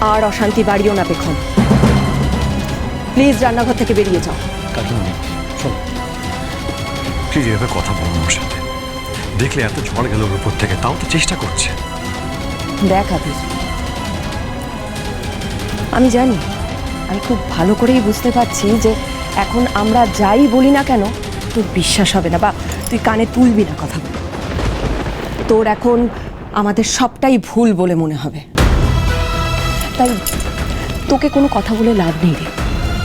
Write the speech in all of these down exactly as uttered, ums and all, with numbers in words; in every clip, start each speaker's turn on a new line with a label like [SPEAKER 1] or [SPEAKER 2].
[SPEAKER 1] আর অশান্তি বাড়িও না পেখম। প্লিজ রান্নাঘর থেকে বেরিয়ে যাও।
[SPEAKER 2] কাকিমণি শোনো, প্লিজ এভাবে কথা বলুন ওর সাথে। দেখলে এত ঝড় গেল ওর উপর থেকে, তাও তো চেষ্টা করছে।
[SPEAKER 1] দেখ আবির, আমি জানি, আমি খুব ভালো করেই বুঝতে পারছি যে এখন আমরা যাই বলি না কেন তোর বিশ্বাস হবে না, বা তুই কানে তুলবি না কথা বলে। তোর এখন আমাদের সবটাই ভুল বলে মনে হবে, তাই তোকে কোনো কথা বলে লাভ নেই রে।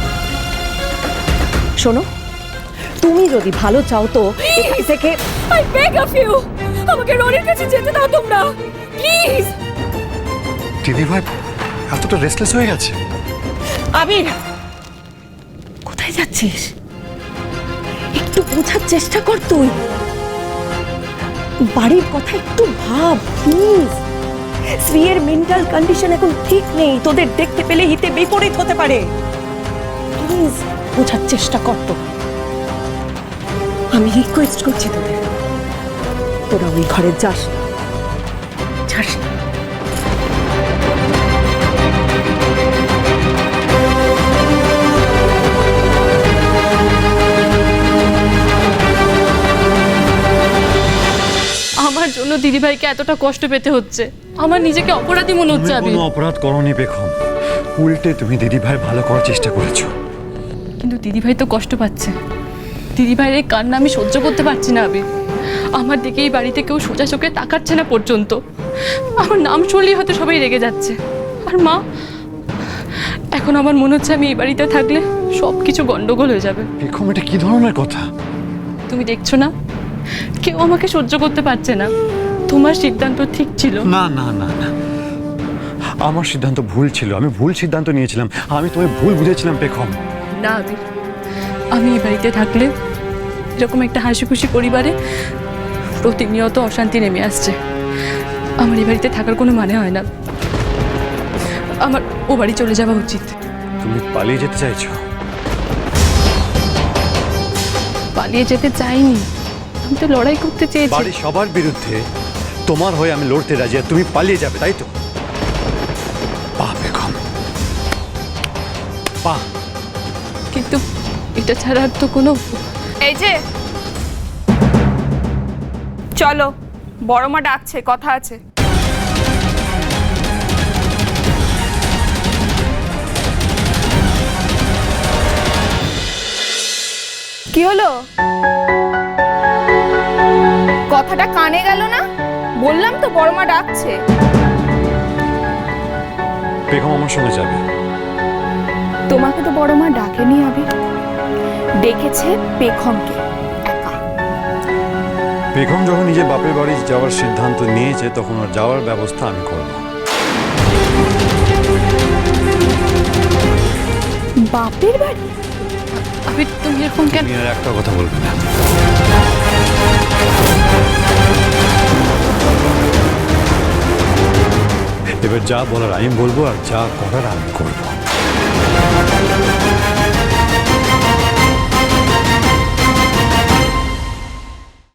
[SPEAKER 1] শোনো, তুমি যদি ভালো চাও তো এখান থেকে
[SPEAKER 3] আই বেগ অফ ইউ, আমাকে রনির কাছে যেতে দাও তোমরা, প্লিজ।
[SPEAKER 2] দিদি ভাই এতটা রেস্টলেস হয়ে গেছে।
[SPEAKER 1] আবির, কোথায় যাচ্ছিস? একটু বোঝার চেষ্টা কর তুই। বাড়ির কথা একটু ভাব প্লিজ। শ্রীয়ের মেন্টাল কন্ডিশন এখন ঠিক নেই, তোদের দেখতে পেলে হিতে বিপরীত হতে পারে। প্লিজ বোঝার চেষ্টা কর তো। আমি রিকোয়েস্ট করছি তোদের, তোরা ওই ঘরে যাস না, যাস না।
[SPEAKER 3] আমার জন্য দিদিভাইকে এতটা কষ্ট পেতে হচ্ছে, আমার নিজেকে অপরাধী মনে হচ্ছে। আমি
[SPEAKER 2] কোনো অপরাধ করনি পেখম, উল্টে তুমি দিদি ভাই ভালো করার চেষ্টা করেছো।
[SPEAKER 3] কিন্তু দিদিভাই তো কষ্ট পাচ্ছে। দিদিভাইয়ের এই কান্না আমি সহ্য করতে পারছি না। আবির, আমার দিকে এই বাড়িতে কেউ সোজা চোখে তাকাচ্ছে না পর্যন্ত। আমার নাম শুনলেই হয়তো সবাই রেগে যাচ্ছে। আর মা, এখন আমার মনে হচ্ছে আমি এই বাড়িতে থাকলে সব কিছু গন্ডগোল হয়ে যাবে।
[SPEAKER 2] পেখম, এটা কি ধরনের কথা?
[SPEAKER 3] তুমি দেখছো না, কেউ আমাকে সহ্য করতে পারছে না। তোমার সিদ্ধান্ত ঠিক ছিল।
[SPEAKER 2] না না না না, আমার সিদ্ধান্ত ভুল ছিল। আমি ভুল সিদ্ধান্ত নিয়েছিলাম, আমি তোমায় ভুল বুঝেছিলাম পেখম।
[SPEAKER 3] না আবির, আমি এই বাড়িতে থাকলে এরকম একটা হাসি খুশি পরিবারে প্রতিনিয়ত অশান্তি নেমে আসছে। আমার এই বাড়িতে থাকার কোনো মানে হয় না। আমার ও বাড়ি চলে যাওয়া উচিত।
[SPEAKER 2] তুমি পালিয়ে যেতে চাইছো?
[SPEAKER 3] পালিয়ে যেতে চাইনি, আমি তো লড়াই করতে চেয়েছি।
[SPEAKER 2] বাড়ি সবার বিরুদ্ধে তোমার হয়ে আমি লড়তে রাজি, আর তুমি পালিয়ে যাবে, তাই তো? পা পেখম, পা।
[SPEAKER 3] কিন্তু এটা ছাড়া আর তো কোনো।
[SPEAKER 4] এই যে চলো, বড় মা ডাকছে, কথা আছে। কি হলো? কথাটা কানে গেল না? বললাম তো বড় মা ডাকছে।
[SPEAKER 2] পেখম আমার সঙ্গে যাবে।
[SPEAKER 4] তোমাকে তো বড় মা ডাকেনি আবির, ডেকেছে পেখমকে একা।
[SPEAKER 2] পেখম যখন নিজে বাপের বাড়ি যাওয়ার সিদ্ধান্ত নিয়েছে, তখন ওর যাওয়ার ব্যবস্থা আমি করব।
[SPEAKER 4] বাপের বাড়ি?
[SPEAKER 3] আবির, তুমি এরকম কেন?
[SPEAKER 2] তুমি আর একটা কথা বলবে না। এবার যা বলার আমি বলবো, আর যা করার আমি করবো।